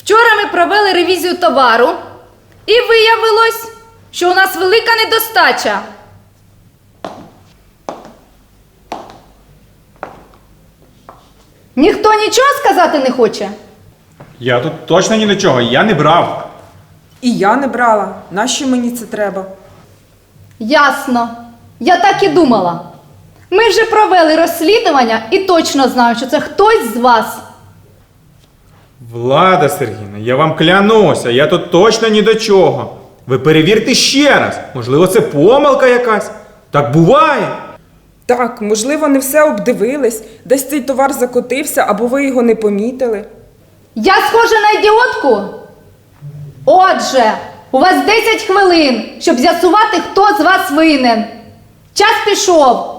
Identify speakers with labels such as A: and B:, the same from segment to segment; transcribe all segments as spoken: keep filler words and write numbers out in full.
A: Вчора ми провели ревізію товару і виявилось, що у нас велика недостача. Ніхто нічого сказати не хоче?
B: Я тут точно ні до чого, я не брав.
C: І я не брала. Нащо мені це треба?
A: Ясно. Я так і думала. Ми вже провели розслідування і точно знаю, що це хтось з вас.
B: Влада Сергіївна, я вам клянуся, я тут точно ні до чого. Ви перевірте ще раз. Можливо, це помилка якась. Так буває.
C: Так, можливо, не все обдивились. Десь цей товар закотився, або ви його не помітили.
A: Я схожа на ідіотку? Отже, у вас десять хвилин, щоб з'ясувати, хто з вас винен. Час пішов.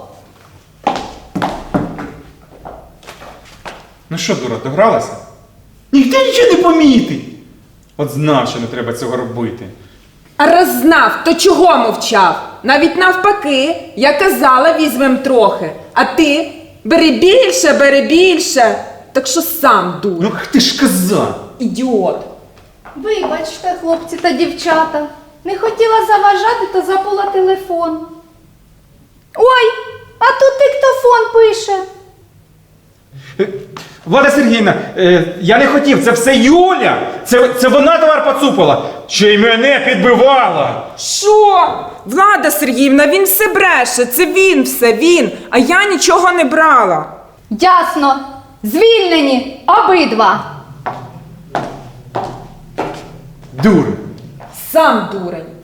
B: Ну що, дура, догралася? Ніхто нічого не помітить. От знав, що не треба цього робити.
C: А раз знав, то чого мовчав? Навіть навпаки, я казала, візьмем трохи. А ти бери більше, бери більше. Так що сам дур.
B: Ну, ти ж казав.
C: Ідіот.
A: Вибачте, хлопці та дівчата. Не хотіла заважати, то забула телефон. Ой, а тут диктофон пише.
B: Е, Влада Сергіївна, е, я не хотів, це все Юля. Це, це вона товар поцупила. Ще й мене підбивала.
C: Що? Влада Сергіївна, він все бреше. Це він все, він. А я нічого не брала.
A: Ясно. Звільнені обидва.
B: Дура.
C: Сам дурень.